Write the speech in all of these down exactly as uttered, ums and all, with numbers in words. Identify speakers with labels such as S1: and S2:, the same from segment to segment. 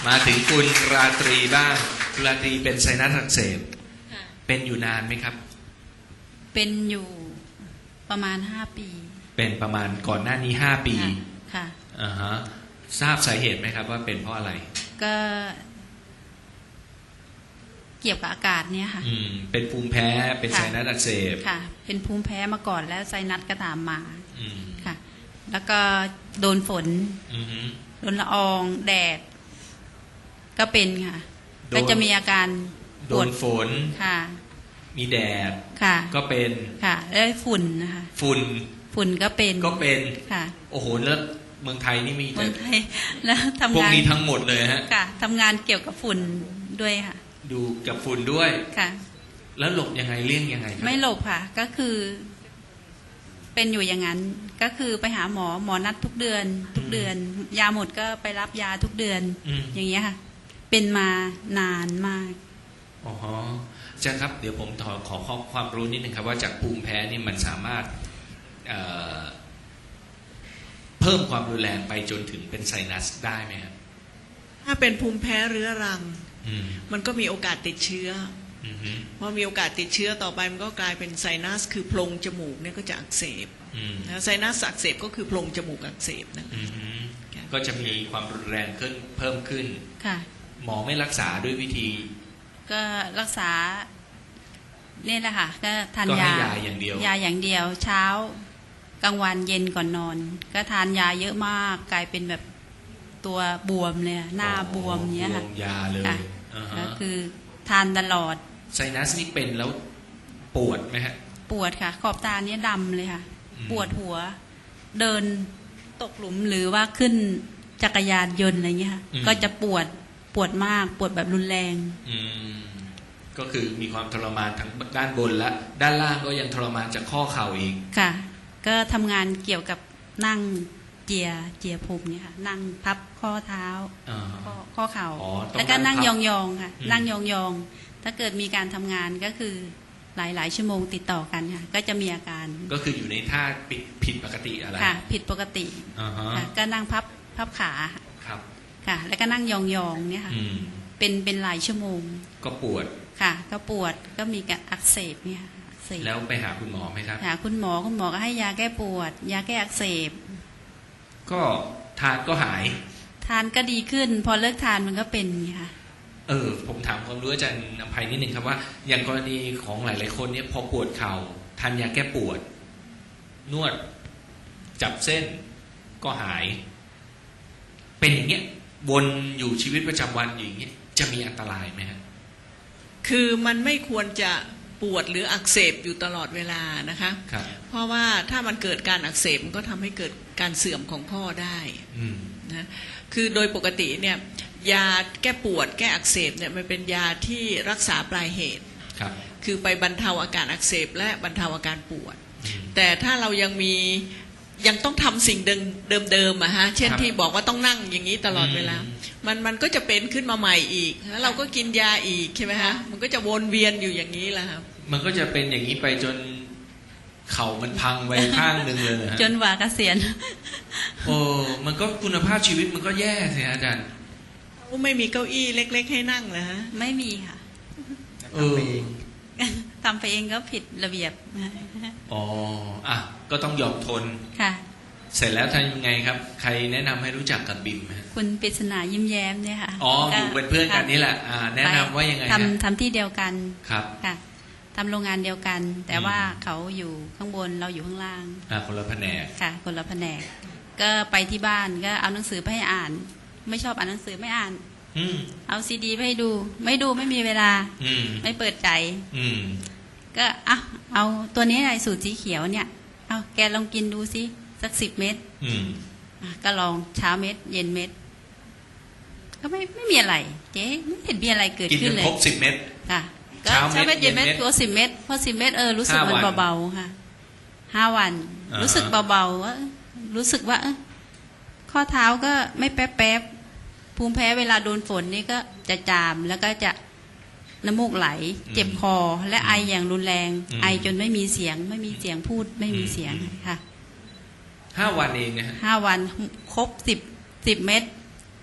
S1: มาถึงคุณราตรีบ้างคุณราตรีเป็นไซนัสอักเสบเป็นอยู่นานไหมครับ
S2: เป็นอยู่ประมาณห้าปี
S1: เป็นประมาณก่อนหน้านี้ห้าปี
S2: ค่ะ
S1: อ่าฮะทราบสาเหตุไหมครับว่าเป็นเพราะอะไร
S2: ก็เกี่ยวกับอากาศเนี่ยค่ะ
S1: อืมเป็นภูมิแพ้เป็นไซนัสอักเสบ
S2: ค่ะเป็นภูมิแพ้มาก่อนแล้วไซนัสก็ตามมา
S1: อืม
S2: ค่ะแล้วก็โดนฝน
S1: อือฮึ
S2: โดนละอองแดดก็เป็นค่ะก็จะมีอาการ
S1: โดนฝน
S2: ค่ะ
S1: มีแดด
S2: ค่ะ
S1: ก็เป็น
S2: ค่ะแล้วฝุ่นนะคะ
S1: ฝุ่น
S2: ฝุ่นก็เป็น
S1: ก็เป็น
S2: ค่ะ
S1: โอ้โหแล้วเมืองไทยนี่มี
S2: เมืองไทยแล้วทำงาน
S1: พวกนี้ทั้งหมดเลยฮะ
S2: ค่ะทำงานเกี่ยวกับฝุ่นด้วยค่ะ
S1: ดูกับฝุ่นด้วย
S2: ค่ะ
S1: แล้วหลบยังไงเลี่ยงยังไง
S2: ไม่หลบค่ะก็คือเป็นอยู่อย่างนั้นก็คือไปหาหมอหมอนัดทุกเดือนทุกเดือนยาหมดก็ไปรับยาทุกเดือนอย่างเงี้ยค่ะเป็นมานานมาก
S1: อ๋ออาจารย์ครับเดี๋ยวผมขอขอข้อความรู้นิดนึงครับว่าจากภูมิแพ้นี่มันสามารถเอ่อเพิ่มความรุนแรงไปจนถึงเป็นไซนัสได้ไหมครับ
S3: ถ้าเป็นภูมิแพ้เรื้อรังมันก็มีโอกาสติดเชื้อพอมีโอกาสติดเชื้อต่อไปมันก็กลายเป็นไซนัสคือโพรงจมูกเนี่ยก็จะอักเสบไซนัสอักเสบก็คือโพรงจมูกอักเสบนะ
S1: ก็จะมีความรุนแรงขึ้นเพิ่มขึ้น
S2: ค่ะ
S1: หมอไม่รักษาด้วยวิธี
S2: ก็รักษาเนี่ยแหละค่ะก็ทานยายา
S1: อย่างเดียวย
S2: าอย่างเดียวเช้ากลางวันเย็นก่อนนอนก็ทานยาเยอะมากกลายเป็นแบบตัวบวมเลยหน้าบวมเนี้ยค่ะ
S1: ยาเลย
S2: ก็คือทานตลอด
S1: ไซนัสนี่เป็นแล้วปวดไหมฮะ
S2: ปวดค่ะขอบตาเนี้ยดำเลยค่ะปวดหัวเดินตกหลุมหรือว่าขึ้นจักรยานยนต์อะไรเงี้ยค่ะก็จะปวดปวดมากปวดแบบรุนแรง
S1: อืมก็คือมีความทรมานทั้งด้านบนและด้านล่างก็ยังทรมานจากข้อเข่าอีก
S2: ค่ะก็ทำงานเกี่ยวกับนั่งเจียเจียภูมิเนี่ยค่ะนั่งพับข้อเท้าข้อข้อเข่าแล้วก็นั่งยองๆค่ะนั่งยองๆถ้าเกิดมีการทำงานก็คือหลายๆชั่วโมงติดต่อกันค่ะก็จะมีอาการ
S1: ก็คืออยู่ในท่าผิดผิดปกติอะไร
S2: ค่ะผิดปกติค่ะก็นั่งพับพับขา
S1: ครับ
S2: ค่ะแล้วก็นั่งยองๆเนี่ยค่ะเป็นเป็นหลายชั่วโมง
S1: ก็ปวด
S2: ค่ะก็ปวดก็มีการอักเสบเนี่ย
S1: แล้วไปหาคุณหมอไหมครับ
S2: หาคุณหมอคุณหมอก็ให้ยาแก้ปวดยาแก้อักเสบ
S1: ก็ทานก็หาย
S2: ทานก็ดีขึ้นพอเลิกทานมันก็เป็นค่ะ
S1: เออผมถามความรู้อาจารย์อภัยนิดนึงครับว่าอย่างกรณีของหลายๆคนเนี่ยพอปวดเข่าทานยาแก้ปวดนวดจับเส้นก็หายเป็นอย่างเงี้ยวนอยู่ชีวิตประจำวันอย่างเงี้ยจะมีอันตรายไหมครับ
S3: คือมันไม่ควรจะปวดหรืออักเสบอยู่ตลอดเวลานะคะเพราะว่าถ้ามันเกิดการอักเสบมันก็ทำให้เกิดการเสื่อมของข้อได้นะคือโดยปกติเนี่ยยาแก้ปวดแก้อักเสบเนี่ยมันเป็นยาที่รักษาปลายเหตุคือไปบรรเทาอาการอักเสบและบรรเทาอาการปวดแต่ถ้าเรายังมียังต้องทำสิ่งเดิมๆอะฮะเช่นที่บอกว่าต้องนั่งอย่างนี้ตลอดเวลามันมันก็จะเป็นขึ้นมาใหม่อีกแล้วเราก็กินยาอีกใช่ไหมฮะมันก็จะวนเวียนอยู่อย่างนี้แหละครับ
S1: มันก็จะเป็นอย่างนี้ไปจนเข่ามันพังไปข้างหนึ่งเลยฮะ
S2: จนว่าเกษียณ
S1: โอ้มันก็คุณภาพชีวิตมันก็แย่สิอาจารย์
S3: ไม่มีเก้าอี้เล็กๆให้นั่งเหรอฮะ
S2: ไม่มีค่ะ
S1: เออ
S2: ทำไปเองก็ผิดระเบียบ
S1: อ๋ออ่ะก็ต้องยอมทน
S2: ค่ะ
S1: เสร็จแล้วทำยังไงครับใครแนะนำให้รู้จักกับบิมฮะ
S2: คุณปริศนายิ้มแย้มเนี่ยค่ะ
S1: อ๋ออยู่เป็นเพื่อนกันนี่แหละอ่าแนะนำว่ายังไง
S2: ทำทำที่เดียวกัน
S1: ครับ
S2: ค่ะทำโรงงานเดียวกันแต่ว่าเขาอยู่ข้างบนเราอยู่ข้างล่าง
S1: อ่าคนละแผนก
S2: ค่ะคนละแผนกก็ไปที่บ้านก็เอาหนังสือไปให้อ่านไม่ชอบอ่านหนังสือไม่อ่านเอาซีดีไปให้ดูไม่ดูไม่มีเวลาไม่เปิดใจก็อ่ะเอาตัวนี้ไอ้สูตรสีเขียวเนี่ยเอาแกลองกินดูซิสักสิบเม็ดก็ลองเช้าเม็ดเย็นเม็ดก็ไม่ไม่มีอะไรเจ๊ไม่เห็นมีอะไรเกิดขึ้นเลย
S1: กินครบสิบเม็ด
S2: ค่ะก็เช้าเม็ดเย็นเม็ดตัวสิบเม็ดพอสิบเม็ดเออรู้สึกมันเบาๆค่ะห้าวันรู้สึกเบาๆว่ารู้สึกว่าข้อเท้าก็ไม่แป๊บๆภูมิแพ้เวลาโดนฝนนี่ก็จะจามแล้วก็จะน้ำมูกไหลเจ็บคอและไออย่างรุนแรงไอจนไม่มีเสียงไม่มีเสียงพูดไม่มีเสียงค่ะ
S1: ห้าวันเองนะฮะ
S2: ห้าวันครบสิบสิบเม็ด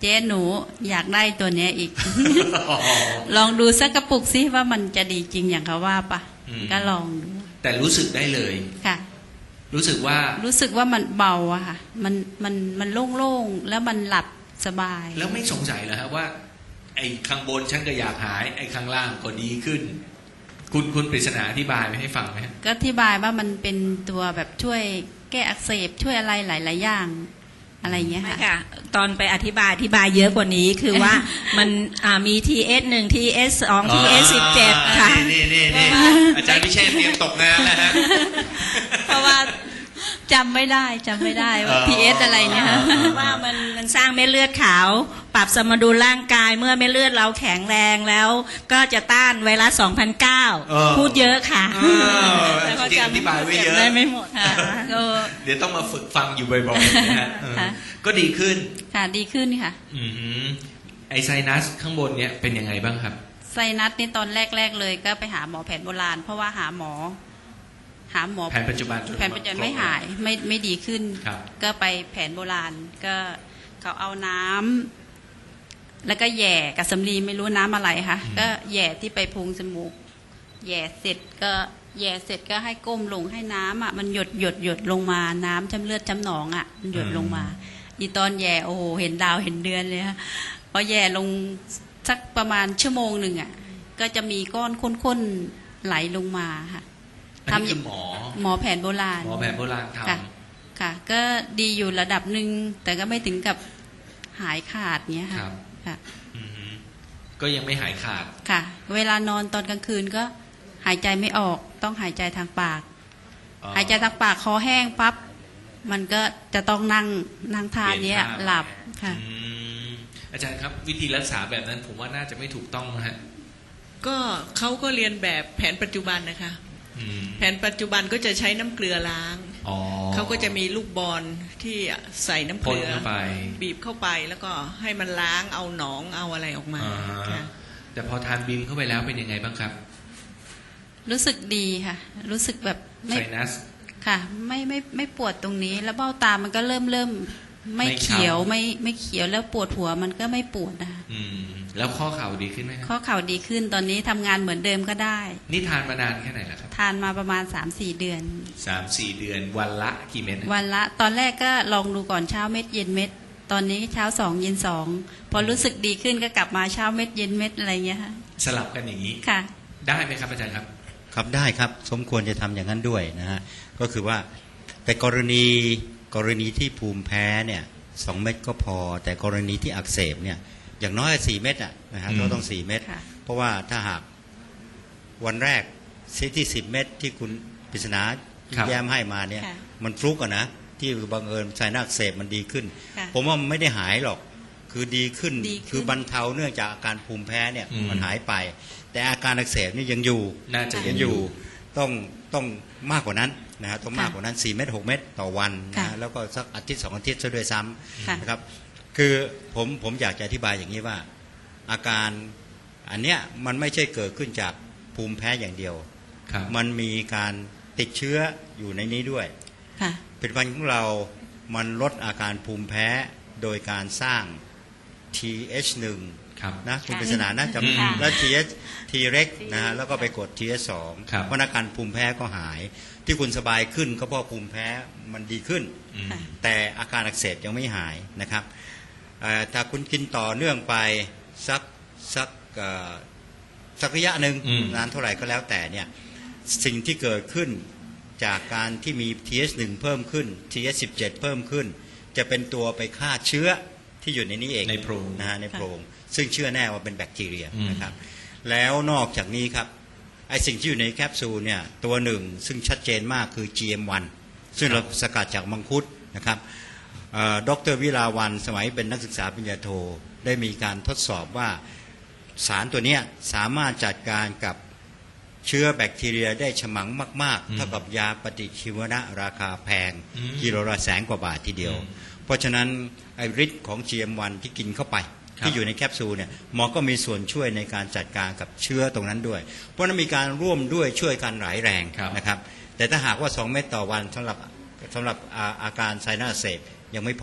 S2: เจ๊หนูอยากได้ตัวเนี้ยอีก ลองดูสักกระปุกซิว่ามันจะดีจริงอย่างเขาว่าปะก็ลองดู
S1: แต่รู้สึกได้เลย
S2: ค่ะ
S1: รู้สึกว่า
S2: รู้สึกว่ามันเบาอะค่ะมันมันมันโล่งๆแล้วมันหลับสบาย
S1: แล้วไม่สงสัยเหรอฮะว่าไอ้ข้างบนฉันก็อยากหายไอ้ข้างล่างก็ดีขึ้นคุณคุณปริศนาอธิบายให้ฟังไหม
S2: ก็อธิบายว่ามันเป็นตัวแบบช่วยแก้อักเสบช่วยอะไรหลายๆอย่างอะไรเงี้ยค่ะ
S4: ตอนไปอธิบายอธิบายเยอะกว่านี้คือว่ามันมี ที เอส หนึ่ง ที เอส สอง ที เอส สิบเจ็ด ค่ะ
S1: นี่นี่นี่อาจารย์พิเชษเตรียมตกงานแล้วฮะ
S2: เพราะว่าจำไม่ได้จำไม่ได้ว่า ที เอส อะไรเนี่ย
S4: ว่ามันมันสร้างเม็ดเลือดขาวปรับสมดุลร่างกายเมื่อเม็ดเลือดเราแข็งแรงแล้วก็จะต้านไวรัส สองพันเก้า พูดเยอะค่ะ
S1: แล้วก็จำอธิบายไว้เยอะ
S2: ได้ไม่หมดค่ะ
S1: เดี๋ยวต้องมาฝึกฟังอยู่บ่อยๆนะฮะก็ดีขึ้น
S2: ค่ะดีขึ้นค่ะ
S1: อือไอไซนัสข้างบนเนี้ยเป็นยังไงบ้างครับ
S2: ไซนัสนี่ตอนแรกๆเลยก็ไปหาหมอแผนโบราณเพราะว่าหาหมอหาหมอ
S1: แผนปัจจุบัน
S2: แผนปัจจุบันไม่หายไม่ไม่ดีขึ้นก็ไปแผนโบราณก็เขาเอาน้ำแล้วก็แย่กับสำลีไม่รู้น้ำอะไรค่ะก็แย่ที่ไปพุงจมูกแย่เสร็จก็แย่เสร็จก็ให้ก้มลงให้น้ำอ่ะมันหยดหยดหยดลงมาน้ำจำเลือดจำหนองอ่ะมันหยดลงมาอีตอนแย่โอ้โหเห็นดาวเห็นเดือนเลยค่ะพอแย่ลงสักประมาณชั่วโมงหนึ่งอ่ะก็จะมีก้อนข้นๆไหลลงมาค่ะ
S1: ทำคือหมอ
S2: หมอแผนโบราณ
S1: หมอแผนโบราณทำ
S2: ค่ะก็ดีอยู่ระดับหนึ่งแต่ก็ไม่ถึงกับหายขาดเนี้ยค่ะค่ะ
S1: ก็ยังไม่หายขาด
S2: ค่ะเวลานอนตอนกลางคืนก็หายใจไม่ออกต้องหายใจทางปากหายใจทางปากคอแห้งปั๊บมันก็จะต้องนั่งนั่งท่านี้หลับค่ะ
S1: อาจารย์ครับวิธีรักษาแบบนั้นผมว่าน่าจะไม่ถูกต้องนะฮะ
S3: ก็เขาก็เรียนแบบแผนปัจจุบันนะคะแผนปัจจุบันก็จะใช้น้ำเกลือล้างเขาก็จะมีลูกบอลที่ใส่น้ำเกลือบีบเข้าไปแล้วก็ให้มันล้างเอาหนองเอาอะไรออกมา
S1: แต่พอทานบิมเข้าไปแล้วเป็นยังไงบ้างครับ
S2: รู้สึกดีค่ะรู้สึกแบบ
S1: ไซนัส
S2: ค่ะไม่ไม่ไม่ปวดตรงนี้แล้วเบ้าตามันก็เริ่มเริ่มไม่เขียวไม่ไม่เขียวแล้วปวดหัวมันก็ไม่ปวดนะคะ
S1: แล้วข้อเข่าดีขึ้นไหม
S2: ข้อเข่าดีขึ้นตอนนี้ทำงานเหมือนเดิมก็ได้
S1: นี่ทานมานานแค่ไหนแล้วครับ
S2: ทานมาประมาณ สามสี่ เดือน
S1: สามสี่ เดือนวันละกี่เม็ด
S2: วันละตอนแรกก็ลองดูก่อนเช้าเม็ดเย็นเม็ดตอนนี้เช้าสองเย็นสองพอรู้สึกดีขึ้นก็กลับมาเช้าเม็ดเย็นเม็ดอะไรเงี้ยค่ะ
S1: สลับกันอย่างนี้
S2: ค่ะ
S1: ได้ไหมครับอาจารย์ครับ
S5: ครับได้ครับสมควรจะทำอย่างนั้นด้วยนะฮะก็คือว่าแต่กรณีกรณีที่ภูมิแพ้เนี่ยสองเม็ดก็พอแต่กรณีที่อักเสบเนี่ยอย่างน้อยสี่เม็ดอ่ะนะฮะก็ต้องสี่เม็ดเพราะว่าถ้าหากวันแรกซีที่สิบเม็ดที่คุณปริศนาแย้มให้มาเนี่ยมันฟลุกอะนะที่บังเอิญไซนัสอักเสบมันดีขึ้นผมว่ามันไม่ได้หายหรอกคือดีขึ้นคือบรรเทาเนื่องจากอาการภูมิแพ้เนี่ยมันหายไปแต่อาการอักเสบนี่ยังอยู่
S1: น่าจะ
S5: ยังอยู่ต้องต้องมากกว่านั้นนะฮะต้องมากกว่านั้นสี่เม็ดหกเม็ดต่อวันนะแล้วก็สักอาทิตย์สองอาทิตย์ซะด้วยซ้ำนะครับคือผมผมอยากจะอธิบายอย่างนี้ว่าอาการอันเนี้ยมันไม่ใช่เกิดขึ้นจากภูมิแพ้อย่างเดียวมันมีการติดเชื้ออยู่ในนี้ด้วยผลิตภัณฑ์ของเรามันลดอาการภูมิแพ้โดยการสร้าง ที เอช หนึ่ง นะคุณปริศนานะจำแล้ว ที เอช ที เร็ก นะฮะแล้วก็ไปกด ที เอช สอง เพราะอาการภูมิแพ้ก็หายที่คุณสบายขึ้นก็เพราะภูมิแพ้มันดีขึ้นแต่อาการอักเสบยังไม่หายนะครับถ้าคุณกินต่อเนื่องไปสักสักสักระยะหนึ่งนานเท่าไหร่ก็แล้วแต่เนี่ยสิ่งที่เกิดขึ้นจากการที่มี ที เอช หนึ่ง เพิ่มขึ้น ที เอช สิบเจ็ด เพิ่มขึ้นจะเป็นตัวไปฆ่าเชื้อที่อยู่ในนี้เอง
S1: ในโพรง
S5: นะฮะในโพรงซึ่งเชื่อแน่ว่าเป็นแบคทีเรียนะครับแล้วนอกจากนี้ครับไอสิ่งที่อยู่ในแคปซูลเนี่ยตัวหนึ่งซึ่งชัดเจนมากคือ จี เอ็ม วัน ซึ่งเราสกัดจากมังคุดนะครับดร.วิลาวันสมัยเป็นนักศึกษาปริญญาโทได้มีการทดสอบว่าสารตัวนี้สามารถจัดการกับเชื้อแบคทีเรียได้ฉมังมากๆเท่ากับยาปฏิชีวนะราคาแพงกิโลละแสนกว่าบาททีเดียวเพราะฉะนั้นไอฤทธิ์ของ จี เอ็ม วัน ที่กินเข้าไปที่อยู่ในแคปซูลเนี่ยหมอก็มีส่วนช่วยในการจัดการกับเชื้อตรงนั้นด้วยเพราะนั้นมีการร่วมด้วยช่วยกันหลายแรงนะครับแต่ถ้าหากว่าสองเม็ดต่อวันสำหรับสำหรับอาการไซนัสอักเสบยังไม่พอ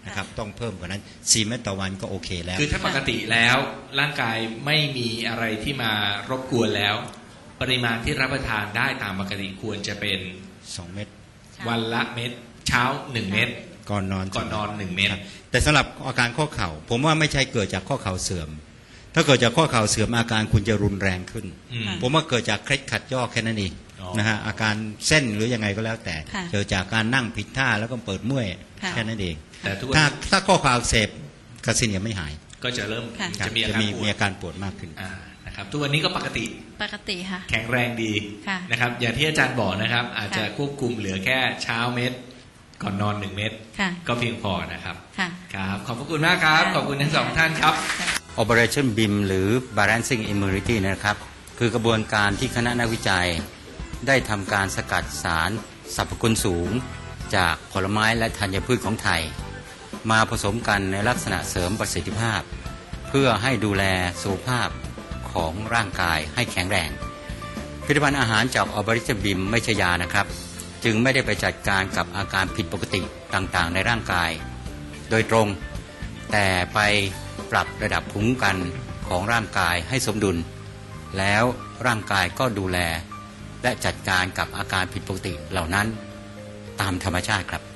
S5: นะครับต้องเพิ่มกว่านั้นสี่เม็ดต่อวันก็โอเคแล้ว
S1: คือถ้าปกติแล้วร่างกายไม่มีอะไรที่มารบกวนแล้วปริมาณที่รับประทานได้ตามปกติควรจะเป็น
S5: สองเม็ด
S1: วันละเม็ดเช้าหนึ่งเม็ด
S5: ก่อนนอน
S1: ก่อนนอนหนึ่งเม็ด
S5: แต่สำหรับอาการข้อเข่าผมว่าไม่ใช่เกิดจากข้อเข่าเสื่อมถ้าเกิดจากข้อเข่าเสื่อมอาการคุณจะรุนแรงขึ้นผมว่าเกิดจากเคล็ดขัดย่อแค่นั้นเองนะฮะอาการเส้นหรือยังไงก็แล้วแต่เกิดจากการนั่งผิดท่าแล้วก็เปิดเมื่อยแค่นั้นเอง
S1: แต่
S5: ถ้าถ้าข้อเข่าอักเสบกระสินยังไม่หาย
S1: ก็จะเริ่ม
S5: จะมีอาการมีอาการปวดมากขึ้น
S1: นะครับทุกวันนี้ก็ปกติ
S2: ปกติค่ะ
S1: แข็งแรงดีนะครับอย่างที่อาจารย์บอกนะครับอาจจะควบคุมเหลือแค่เช้าเม็ดก่อนนอนหนึ่งเม็ดก็เพียงพอนะครับครับขอบพระคุณมากครับขอบคุณทั้งสองท่านครับ
S5: Operation บี ไอ เอ็ม หรือ Balancing Immunity นะครับคือกระบวนการที่คณะนักวิจัยได้ทำการสกัดสารสรรพคุณสูงจากผลไม้และธัญพืชของไทยมาผสมกันในลักษณะเสริมประสิทธิภาพเพื่อให้ดูแลสุขภาพของร่างกายให้แข็งแรงผลิตภัณฑ์อาหารจาก Operation บี ไอ เอ็ม ไม่ใช่ยานะครับจึงไม่ได้ไปจัดการกับอาการผิดปกติต่างๆในร่างกายโดยตรงแต่ไปปรับระดับภูมิคุ้มกันของร่างกายให้สมดุลแล้วร่างกายก็ดูแลและจัดการกับอาการผิดปกติเหล่านั้นตามธรรมชาติครับ